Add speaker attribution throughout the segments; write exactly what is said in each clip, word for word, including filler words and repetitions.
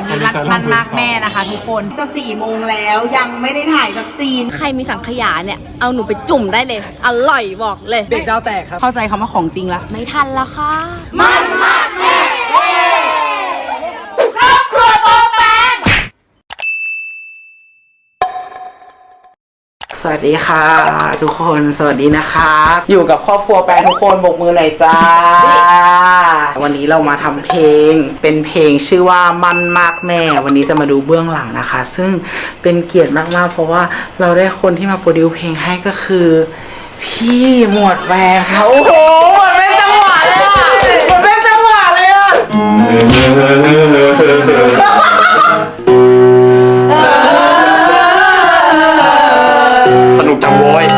Speaker 1: อ็มวีมันมากแม่นะคะทุกคนจะสี่โมงแล้วยังไม่ได้ถ่ายสักซีน
Speaker 2: ใครมีสังขยาเนี่ยเอาหนูไปจุ่มได้เลยอร่อยบอกเลย
Speaker 3: เด็กดาวแตกครับ
Speaker 1: เข้าใจคำว่าของจริงละ
Speaker 2: ไม่ทันแล้วค่ะ
Speaker 1: มันมากแม่ครอบครัวโปแปงสวัสดีค่ะทุกคนสวัสดีนะคะอยู่กับครอบครัวแปงทุกคนบกมือหน่อยจ้าวันนี้เรามาทำเพลงเป็นเพลงชื่อว่ามันมากแม่วันนี้จะมาดูเบื้องหลังนะคะซึ่งเป็นเกียรติมากๆเพราะว่าเราได้คนที่มาโปรดิวเพลงให้ก็คือพี่หมวดแวร์ค่ะโอ้โหหมวดเป็นจังหวะเลยอ่ะหมวดเป็นจังหวะเลยอ่ะ
Speaker 4: สนุกจังโว้ย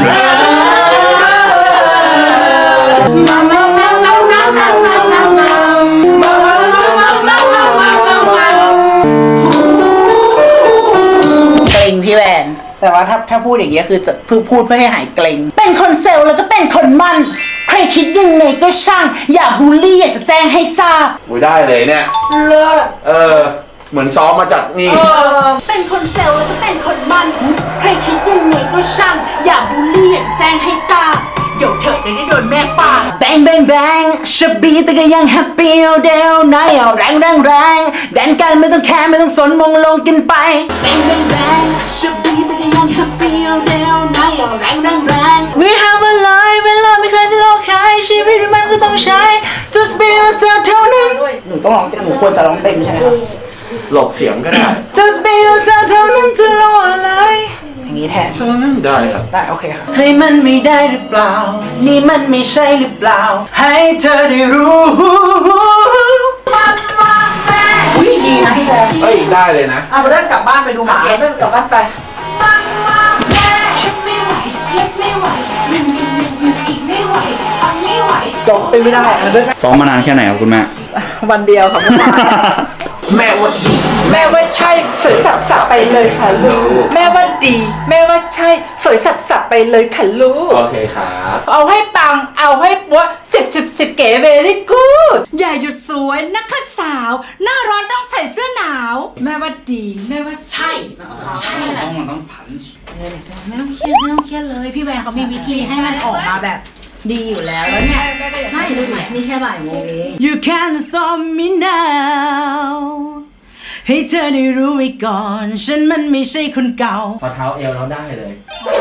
Speaker 1: เกรงพี่แวนแต่ว่าถ้าถ้าพูดอย่างเงี้ยคือจะพูดพูดเพื่อให้หายเกรงเป็นคนเซลล์แล้วก็เป็นคนมั่นใครคิดยังไงก็ช่างอย่าบูลลี่อยากจะแจ้งให้ทราบ
Speaker 4: อุ้ยได้เลยเนี่ย
Speaker 2: เลิศ
Speaker 4: เออเหมือนซ้อมมาจากนี่
Speaker 1: เป็นคนเซลล์แล้วก็เป็นคนมั่นใครคิดยังไงก็ช่างอย่าบูลลี่อยากแจ้งให้ทราบเดี๋ยวเธอได้โดนแม่ฟาดแบงแบงแบงชบบีแต่ก็ยังแฮปปี้เอาเดวไนเอาแรงแรงแรงแดนกันไม่ต้องแคร์ไม่ต้องสนมองลงกินไปแบงแบงแบงชบบีแต่ก็ยังแฮปปี้เอาเดวไนเอาแรงแรงแรง We have a life เวลาไม่เคยจะโลกใครชีวิตมันก็ต้องใช้ Just be yourself เท่านั้นหนูต้องร้องเต็มหนูควรจะร้องเต็มใช่ไหมครับ
Speaker 4: หลบเสียงก็ได้
Speaker 1: Just be yourself เท่านั้นจะรออะไรอย่างนี้แทน
Speaker 4: ได้ครับ
Speaker 1: ได้โอเคครับให้มันไม่ได้หรือเปล่านี่มันไม่ใช่หรือเปล่าให้เธอได้รู้มันมากแม่อุ้ยดีนะพี่แบง
Speaker 4: เฮ้ยได้เลยนะ
Speaker 1: เอาไปเดินกลับบ้านไปดูหมา
Speaker 2: เดินกลับบ้านไป
Speaker 1: มันมากแม่ฉันไม่ไหวเทียบไม่ไหวมันมันมันมันอีกไม่ไหวเอาไม่ไหวจบเต้นไม่ได้เดิน
Speaker 4: ซ้อมมานานแค่ไหนครับคุณแม่
Speaker 2: วันเดียวครับคุณแม่
Speaker 1: แม่ว่าดี
Speaker 2: แม่ว่าใช่สวยสับสับไปเลยค่ะลูกแม่ว่าดีแม่ว่าใช่สวยสับสับไปเลยค่ะลูก
Speaker 4: โอเคครับ
Speaker 2: เอาให้ปังเอาให้ปัวสิบสิบสิบเก๋เวลี่กูดอย่าหยุดสวยนะคะสาวหน้าร้อนต้องใส่เสื้อหนาวแม่ว่าดีแม่ว่าใช่ใช่แหละ
Speaker 4: ต้องมันต้องผัน
Speaker 1: ไม่ต้องเครียดไม่ต้องเครียดเลยพี่แวนเขามีวิธีให้มันออกมาแบบดีอยู่แล้วแล้วเนี่ยไม่รู้ไหมนี่แค่บ่ายโมงเอง You can't stop me now ให้เธอได้รู้ไว้ก่อนฉันมันไม่ใช่คนเก่า
Speaker 4: พอเท้าเอวเราได้เลย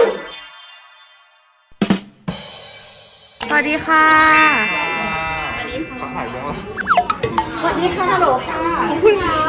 Speaker 2: สวัสดีค่ะ
Speaker 1: สวัสดีค่ะฮัลโหลค่ะขอบคุณค่ะ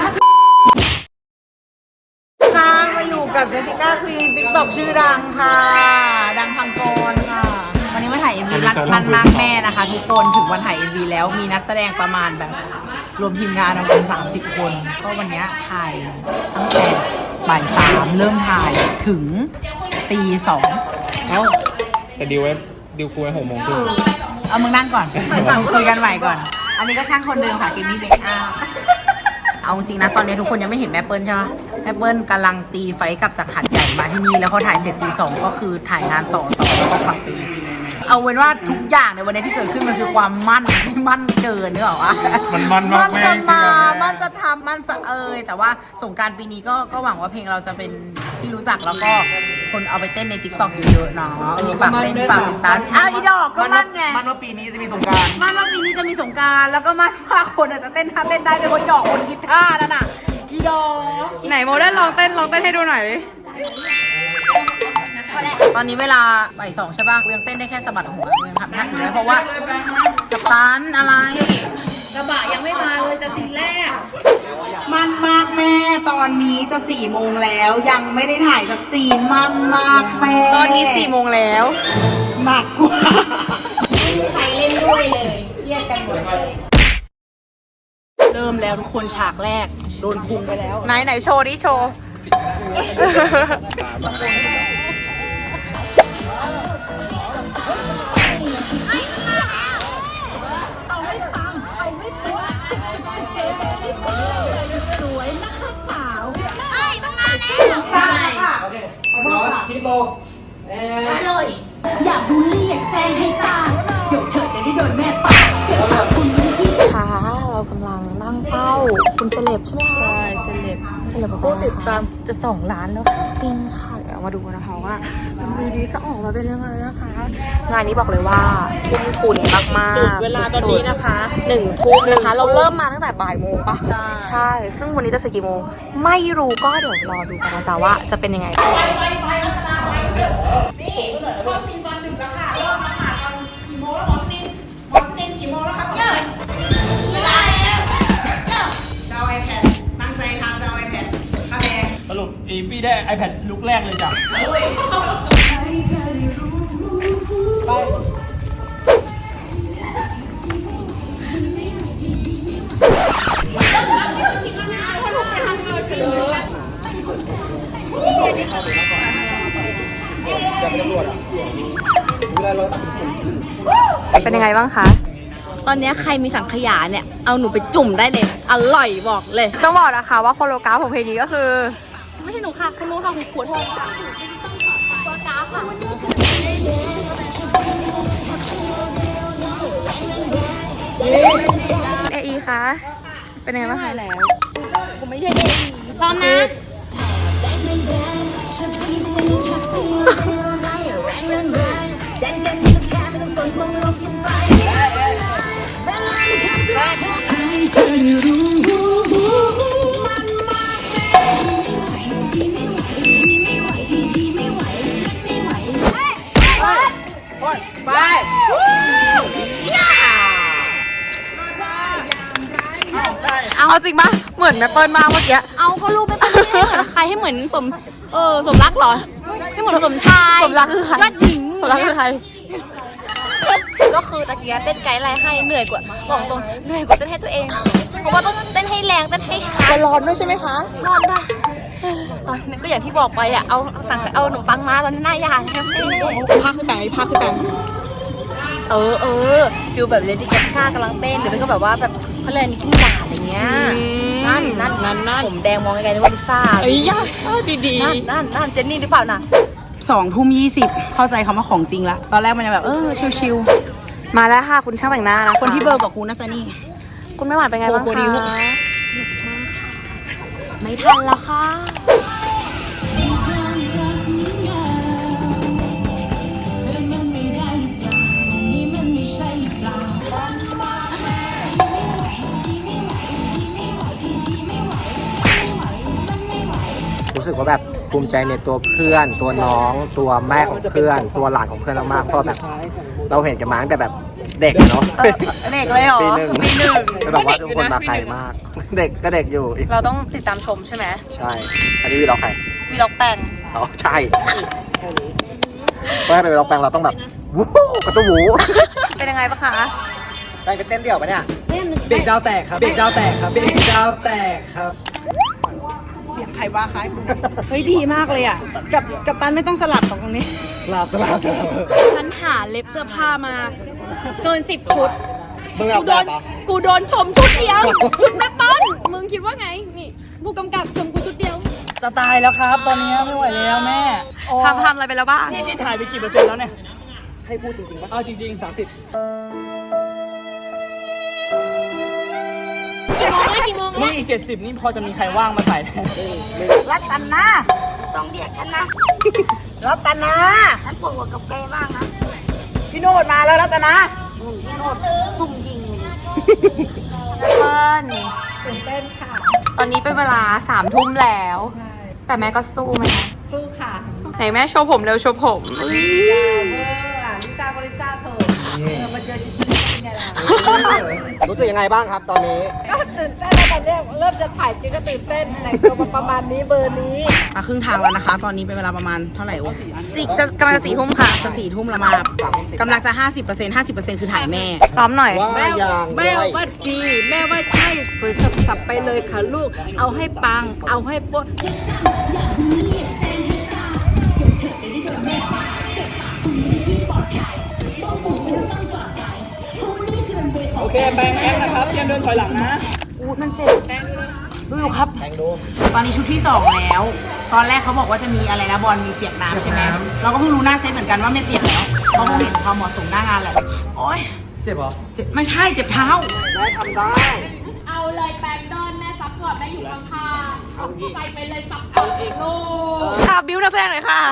Speaker 1: ค่ะมาอยู่กับเจสสิก้าควีนติ๊กต็อกชื่อดังค่ะดังพังกรค่ะวันนี้มาถ่าย เอ็ม วี มันมากแม่นะคะทุกคนถึงวันถ่าย เอ็ม วี แล้วมีนักแสดงประมาณแบบรวมทีมงานประมาณสามสิบคนก็วันนี้ถ่ายตั้งแต่บ่ายสามเริ่มถ่ายถึงตีสอง
Speaker 3: เอ้าแต่ดิวไว้ดิวคุยไว้หกโมงครึ่ง
Speaker 1: เอามึงนั่งก่อนคุยกันใหม่ก่อนอันนี้ก็ช่างคนเดิมค่ะเกมมี่เบคอาเอาจริงนะตอนนี้ทุกคนยังไม่เห็นแม่เปิ้ลใช่ไหมแม่เปิ้ลกำลังตีไฟกลับจากหัดใหญ่มาที่นี่แล้วพอถ่ายเสร็จตีสองก็คือถ่ายงานต่อต่อแล้วก็กลับไปเอาเป็นว่าทุกอย่างในวันนี้ที่เกิดขึ้นมันคือความมั่นไม่มั่นเกินนึกออกปะ
Speaker 3: มันมั่นมาก
Speaker 1: มันจะมามันจะทำมันจะเอ่ยแต่ว่าสงกรานต์ปีนี้ก็ก็หวังว่าเพลงเราจะเป็นที่รู้จักแล้วก็คนเอาไปเต้นใน ติ๊กต็อก เยอะๆเนาะเออฝากเต้นฝากติดตามอ้าวอีดอกก็มั่นไง
Speaker 3: มั่นว่าปีนี้จะมีสงกรานต์
Speaker 1: มั่นว่าปีนี้จะมีสงกรานต์แล้วก็มั่นว่าคนอาจจะเต้นท่าเต้นได้ด้วยคนดอกคนกีตาร์นั่นน่ะอีดอก
Speaker 2: ไหนโมได้ลองเต้นลองเต้นให้ดูหน่อย
Speaker 1: ตอนนี้เวลาบ่ายสองใช่ป่ะกูยังเต้นได้แค่สะบัดหัวยังทำท่าอยู่เลยเพราะว่ากัปตันอะไรกระบะยังไม่มาเลยจะซีนแรกมันมากแม่ตอนนี้จะสี่โมงแล้วยังไม่ได้ถ่ายสักซีนมันมากแม่
Speaker 2: ตอนนี้สี่โมงแล้ว
Speaker 1: หนักกว่าไม่มีใครเล่นด้วยเลยเครียดกันหมดเลยเริ่มแล้วทุกคนฉากแรกโดนคุมไปแล้ว
Speaker 2: ไหนไหนโชว์ดิโชว์
Speaker 3: คิดโล
Speaker 1: เลยอย่าบูลลี่อยากแซงให้ตายเดี๋ยวเธอจะได้โดนแม่ฟาดเดี๋ยวคุณพี่
Speaker 2: ค่ะเรากำลังนั่งเฝ้า
Speaker 5: คุณเซเลบใช่ไหมคะ
Speaker 6: ใช่เซเลบ
Speaker 5: เซเลบบอก
Speaker 6: ผู้
Speaker 5: ว่า
Speaker 6: ติดตามจะสองล้านแล้วค่ะ
Speaker 5: จริงค่ะเดี๋ยวมาดูนะคะว่ามันมีดีจะออกมาเป็นยังไงนะคะ งานนี้บอกเลยว่าทุ่มทุนมากๆ
Speaker 6: สุดเวลาตอนนี้นะคะ
Speaker 5: หนึ่งทุ่มนะคะ เราเริ่มมาตั้งแต่บ่ายโมงปะ
Speaker 6: ใช่
Speaker 5: ใช่ ซึ่งวันนี้จะเสร็จกี่โมงไม่รู้ก็เดี๋ยวรอดูกันนะจ๊ะว่าจะเป็นยังไง
Speaker 3: สรุปอีฟี่ได้ iPad ลุกแรกเลยจ้ะ
Speaker 5: เป็นยังไงบ้างคะ
Speaker 7: ตอนนี้ใครมีสังขยาเนี่ย เอาหนูไปจุ่มได้เลย อร่อยบอกเลย
Speaker 5: ต้องบอกนะคะว่าโคโลกราฟของเพลงนี้ก็คือ
Speaker 7: ไม่ใช่หนูค่ะ คุณรู้ค่ะคุณขวดทองค่ะตัวกราฟค่ะ
Speaker 5: เอไอคะ เป็นยังไงบ้างคะแล้ว
Speaker 7: กูไม่ใช่เองพร้อมนะ
Speaker 5: เอาจริงปะเหมือนแม่เปิ้ลมากเมื่อกี้
Speaker 7: เอาก็รูปไม่เป็นไม่ได้เหมือนใครให้เหมือนสม เออสมรักเหรอ ให้เหมือนสมชาย
Speaker 5: สมรักคือใคร
Speaker 7: ยอดหญิง
Speaker 5: สมรักคือใคร
Speaker 7: ก็คือตะเกียบเต้นไกด์ไลน์ให้เหนื่อยกว่าบอกตรงเหนื่อยกว่าเต้นให้ตัวเอง เพราะว่าต้องเต้นให้แรงเต้นให้ช้า
Speaker 5: จะร้อนด้วยใช่ไหมคะ
Speaker 7: นอนได้ตอนนั้นก็อย่างที่บอกไปอ่ะ เอาสั่งเอาขนมปังมาตอนนั้นหน้ายาแทบไม่ได้
Speaker 5: ภาคขึ้นแบงภาคขึ้นแบง
Speaker 7: เออเออฟิลแบบเลดี้กาก้ากำลังเต้นหรือไม่ก็แบบว่าแบบเขาเรียกนิกกี้หลาดอย่างเงี้ย นั่นนั่น
Speaker 5: นั่นนั่น
Speaker 7: ผมแดงมองไกลๆนึกว่าลิซ่า
Speaker 5: เอ้ยยากดี
Speaker 7: นั่นนั่นนั่นเจนนี่หรือเปล่าน่ะ
Speaker 1: สองทุ่มยี่สิบเข้าใจคำว่าของจริงละตอนแรกมันจะแบบเออชิว
Speaker 5: ๆ มาแล้วค่ะ คุณช่างแต่งหน้านะะ
Speaker 1: ๆคนที่เบอร์กับกูน่าจะนี่
Speaker 5: คุณไม่หวานเป็นไงบ้าง
Speaker 1: โคโคดิว
Speaker 5: คะ
Speaker 7: ไม่ทันแล้วค่ะ
Speaker 8: รู้สึกว่าแบบภูมิใจในตัวเพื่อน ตัวน้อง ตัวแม่ของเพื่อน ตัวหลานของเพื่อนมากๆเพราะแบบเราเห็นกันมาตั้งแต่แบบเด็กเนาะ
Speaker 5: เด็กเลยเหรอ
Speaker 8: ปีหนึ่ง
Speaker 5: ปีหนึ่ง
Speaker 8: แต่แบบว่าทุกคนมาไกลมาก เด็กก็เด็กอยู่อีก
Speaker 5: เราต้องติดตามชมใช่ไหม
Speaker 8: ใช่ อันนี้วีล็อกใคร
Speaker 5: มีล็อกแปลง
Speaker 8: อ๋อใช่เพื่อให้เป็นวีล็อกแปลงเราต้องแบบวู้กระตุ้วู
Speaker 5: เป็นยังไงบ้างคะ
Speaker 8: แปลงจะเต้นเดี่ยวปะเนี่ย
Speaker 3: เบรกดาวแตกครับ เบรกดาวแตกครับ เบรกดาวแตกครับ
Speaker 1: เสียงใครว่าคล้ายกูเฮ้ยดีมากเลยอ่ะ กับกับตันไม่ต้องสลับของตรงนี้
Speaker 3: สลับสลับสลับ
Speaker 7: ฉันหาเล็บเสื้อผ้ามา เกินสิบชุด
Speaker 8: มึง
Speaker 7: กูโดน กูโดนชมชุดเดียว ชุดแม่ป้อนมึงคิดว่าไง นี่ผู้กำกับชมกูชุดเดียว
Speaker 3: จะตายแล้วครับ ตอนนี้ไม่ไหวแล้วแม่โอ้
Speaker 5: ทำทำอะไรไปแล้วบ้าง
Speaker 3: นี่ที่ถ่ายไปกี่เปอร์เซ็นต์แล้วเนี่ย ให้พูดจริงๆป่ะเอาจริงๆสามสิบ
Speaker 7: กี่โมงแล้วกี่โมง
Speaker 3: นี่
Speaker 7: แล้ว
Speaker 3: อีกเจ็ดสิบนี่พอจะมีใครว่างมาถ่ายแทน
Speaker 1: รัตนา
Speaker 7: ต้องเรียกฉันนะ
Speaker 1: รัตนา
Speaker 7: ฉันปวดหัวกับแกบ้างนะ
Speaker 1: พี่โนดมาแล้วรัตนา
Speaker 7: ซุ่มยิง
Speaker 5: แม่เปิ้ลตื่นเต้นค่ะ ตอนนี้เป็นเวลาสามทุ่มแล้ว แต่แม่ก็สู้ไหมคะ
Speaker 2: สู้ค่ะ
Speaker 5: ไหนแม่โชว์ผมเร็วโชว์ผม
Speaker 2: เวอร์อ่ะลิซ่าก็ลิซ่าเถอะเออมาเจอจริงๆเป็นไงล่ะ
Speaker 8: รู้สึกยังไงบ้างครับตอนนี้
Speaker 2: ก็ตื่นเต้นแล้วตอนเนี้ยเริ่มจะถ่ายจริงก็ตื่นเต้นแต่งตัวมาประมาณนี้เบอร์นี้
Speaker 1: มาครึ่งทางแล้วนะคะ ตอนนี้เป็นเวลาประมาณเท่าไหร่โอ้
Speaker 5: สี่จะกำลังจะสี่ทุ่มค่ะ
Speaker 1: จะสี่ทุ่มแล้วมากำลังจะห้าสิบเปอร์เซ็นต์ห้าสิบเปอร์เซ็นต์คือถ่ายแม่
Speaker 5: ซ้อมหน่อย
Speaker 8: ว่า
Speaker 2: แม่
Speaker 8: อย่าง
Speaker 2: แม่ว่าดีแม่ว่าใช่สวยสับๆไปเลยค่ะลูก เอาให้ปัง เอาให้โป๊ะ
Speaker 3: โอเคแบงค์แอคนะครับเตรียมเดินถอยหลังนะ
Speaker 1: อู้มันเจ็บดูอยู่ครับ ตอนนี้ชุดที่สองแล้ว ตอนแรกเขาบอกว่าจะมีอะไรนะบอลมีเปียกน้ำใช่ไหมเราก็เพิ่งรู้หน้าเซตเหมือนกันว่าไม่เปียกแล้วเพราะเขาเห็นความเหมาะสมหน้างานแหละโอ๊ย
Speaker 3: เจ็บเหรอ
Speaker 1: เจ็บไม่ใช่เจ็บเท้า
Speaker 8: ได้ทำได้
Speaker 7: เอาเอาเลยแปงเดินแม่ซัพพอร์ตแม่อยู่ข้างๆใส่ไปเลยซัพพอร์ตลูกค่ะบิวนักแสดงหน่อยค่ะ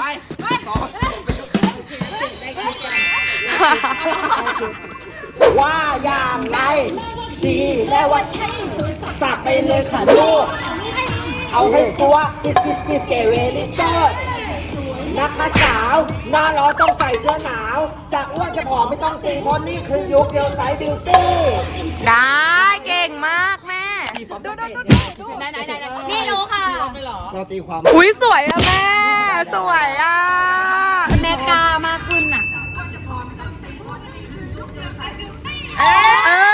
Speaker 8: ว่าอย่างไรดีแม่ว่าสับไปเลยค่ะลูกเอาให้ตัวอิดอิดอิดเกเวลิเตอร์นะคะสาวหน้าร้อนต้องใส่เสื้อหนาวจะอ้วนจะผอมไม่ต้องสีเพราะนี่คือยุคเดียวไซส์บิวตี้
Speaker 5: ได้เก่งมากแม่
Speaker 7: ไหนไหนไหนนี่ดูค่ะ
Speaker 8: เราตีความ
Speaker 5: อุ้ยสวยอะแม่ สวยอะแม่กล้ามากขึ้นอะเอ้ย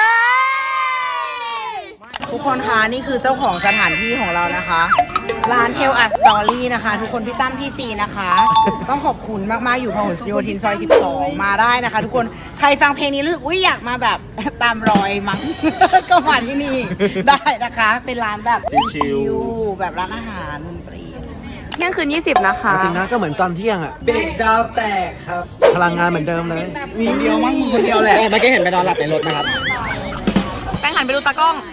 Speaker 2: ทุกคนคะนี่คือเจ้าของสถานที่ของเรานะคะ ร้าน Tell Us Story นะคะ ทุกคนพี่ตั้มพี่ซีนะคะ ต้องขอบคุณมาก ๆ อยู่พหลโยธินซอยสิบสองมาได้นะคะ ทุกคนใครฟังเพลงนี้รู้สึกอุ้ยอยากมาแบบ ตามรอยมั้ง ก็มาที่นี่ได้นะคะ เป็นร้านแบบชิลๆแบบร้านอาหารดนตรี
Speaker 5: เที่ยงคืนยี่สิบนะคะ
Speaker 8: จริงนะก็เหมือนตอนเที่ยงอะเบรกดาวแตกครับ พลังงานเหมือนเดิมเลยมีเดียวมั้งมึงคนเดียวแหละเมื่อกี้เห็นไปนอนหลับในรถนะครับ
Speaker 5: แป้งหันไปดูตากล้อง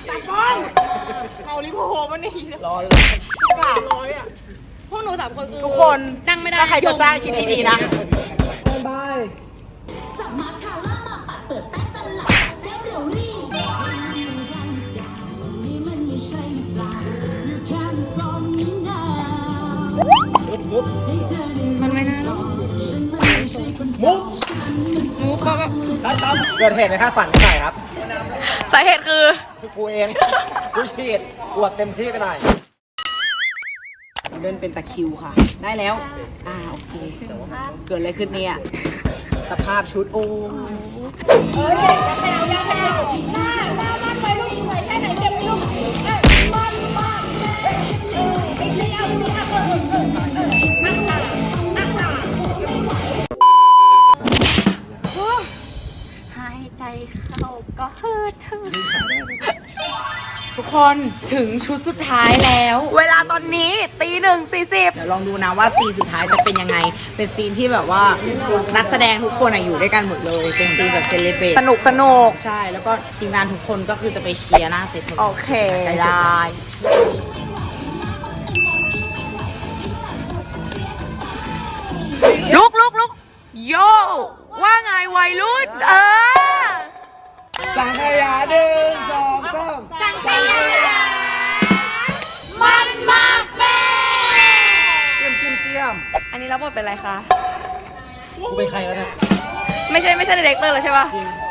Speaker 7: พวกหนูสามคนคือ
Speaker 2: ทุกคน
Speaker 7: นั่งไม่ได้
Speaker 2: ถ้าใครจะจ้างคิดดีๆนะ
Speaker 8: บาย
Speaker 5: มันไม่น่าหรอก
Speaker 8: มุก
Speaker 5: มุกก็
Speaker 8: เกิดเหตุในค่าฝันเท่าไหร่ครับ
Speaker 5: สาเหตุคือ
Speaker 8: คือกูเองกูฉีดปวดเต็มที่ไปหน่อย
Speaker 2: เดินเป็นตะคริวค่ะ ได้แล้ว อ่าโอเค เกิดอะไรขึ้นเนี่ย สภาพชุดโอ้เฮ้ยอย่าแถวอย่าแถวหน้าหน้ามันไปลูกสวยแค่ไหนเก็บไม่ลูกเอ้ยมันมันเอ้ยเอ้ยไอ้เสี้ยวเสี้ยวเออเออเออนั่งตานั่งตา
Speaker 7: หายใจเข้าก็เฮิร์ท
Speaker 2: ทุกคนถึงชุดสุดท้ายแล้ว
Speaker 5: เวลาตอนนี้ตีหนึ่งสี่สิบ
Speaker 2: เดี๋ยวลองดูนะว่าซีนสุดท้ายจะเป็นยังไง เป็นซีนที่แบบว่านักแสดงทุกคนอะอยู่ด้วยกันหมดเลย เป็นซีนแบบเซเลบรต
Speaker 5: สนุกสนุก
Speaker 2: ใช่ แล้วก็ทีมงานทุกคนก็คือจะไปเชียร์หน้าเซต
Speaker 5: โอเค ได้ ลุกลุกลุกโย ว่าไงวัยรุ่น เออ
Speaker 8: สังขยาหนึ่งสองสาม
Speaker 7: สังขยามันมากแม่
Speaker 8: เจียมเจียมเจียม
Speaker 5: อันนี้รับบทเป็นอะไรคะ
Speaker 8: กูเป็นใครแล้วเนี่ย
Speaker 5: ไม่ใช่ไม่ใช่ดีเรคเตอร์เลยใช่ปะ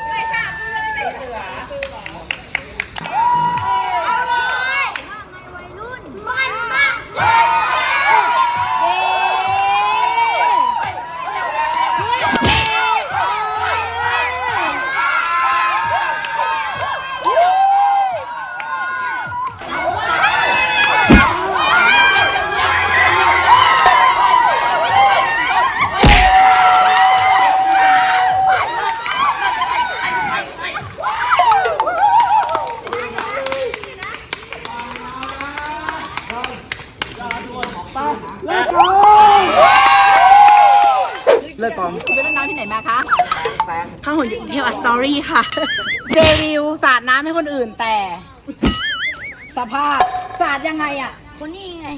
Speaker 2: เลิกกองคุณไปเล่นน้ำที่ไหนมาคะผ้าหุ่นเทลอัสตอรี่ค่ะ เดวิลสาดน้ำให้คนอื่นแต่ สภาพสาดยังไงอ่ะ
Speaker 7: คนนี้ไง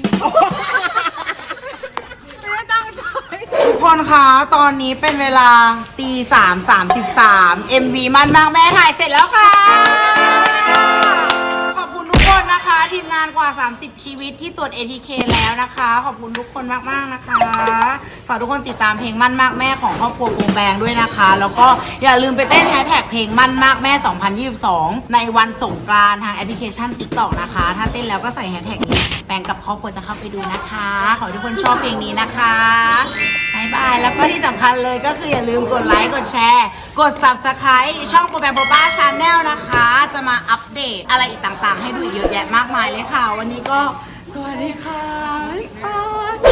Speaker 2: ทุกคนคะตอนนี้เป็นเวลาตีสามสามสิบสาม เอ็ม วี มันมากแม่ถ่ายเสร็จแล้วค่ะ ขอบคุณทุกคนนะคะ ทีมงานกว่า สามสิบ ชีวิตที่ตรวจ เอ ที เค แล้วนะคะ ขอบคุณทุกคนมากๆนะคะ ฝากทุกคนติดตามเพลงมั่นมากแม่ของครอบครัวกรุงแบงด้วยนะคะ แล้วก็อย่าลืมไปเต้นแฮชแท็กเพลงมั่นมากแม่ สองพันยี่สิบสอง ในวันสงกรานต์ทางแอปพลิเคชัน ติ๊กต็อก นะคะ ถ้าเต้นแล้วก็ใส่แฮชแท็กนี้แบงกับครอบครัวจะเข้าไปดูนะคะ ขอให้ทุกคนชอบเพลงนี้นะคะบายบาย แล้วก็ที่สำคัญเลยก็คืออย่าลืมกดไลค์ กดแชร์ กด ซับสไครบ์ ช่องโปรแบมโบบ้าชาแนลนะคะ จะมาอัปเดตอะไรอีกต่างๆ ให้ดูอีกเยอะแยะมากมายเลยค่ะ วันนี้ก็สวัสดีค่ะ